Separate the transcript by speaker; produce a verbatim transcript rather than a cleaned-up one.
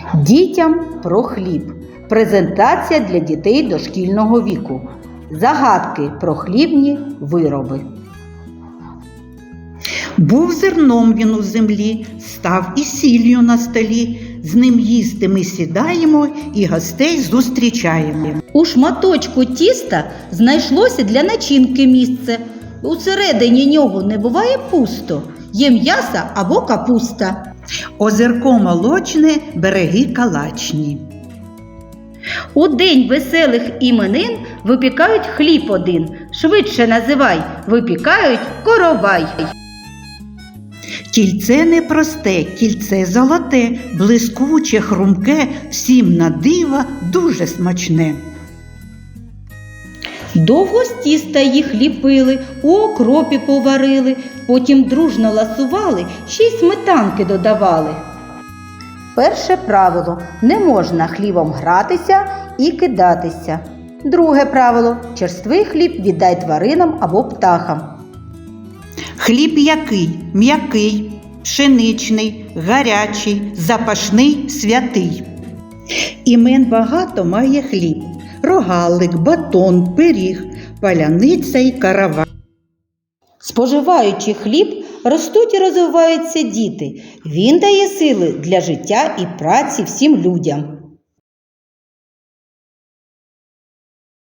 Speaker 1: Дітям про хліб. Презентація для дітей дошкільного віку. Загадки про хлібні вироби.
Speaker 2: Був зерном він у землі, став і сіллю на столі. З ним їсти ми сідаємо і гостей зустрічаємо.
Speaker 1: У шматочку тіста знайшлося для начинки місце. Усередині нього не буває пусто. Є м'ясо або капуста.
Speaker 2: Озерко молочне, береги калачні.
Speaker 1: У день веселих іменин випікають хліб один. Швидше називай, випікають коровай.
Speaker 2: Кільце непросте, кільце золоте, блискуче, хрумке, всім на диво дуже смачне.
Speaker 1: Довго з тіста їх ліпили, у окропі поварили, потім дружно ласували, ще й сметанки додавали. Перше правило – не можна хлібом гратися і кидатися. Друге правило – черствий хліб віддай тваринам або птахам.
Speaker 2: Хліб який? М'який, пшеничний, гарячий, запашний, святий. Імен багато має хліб. Рогалик, батон, пиріг, паляниця й каравай.
Speaker 1: Споживаючи хліб, ростуть і розвиваються діти. Він дає сили для життя і праці всім людям.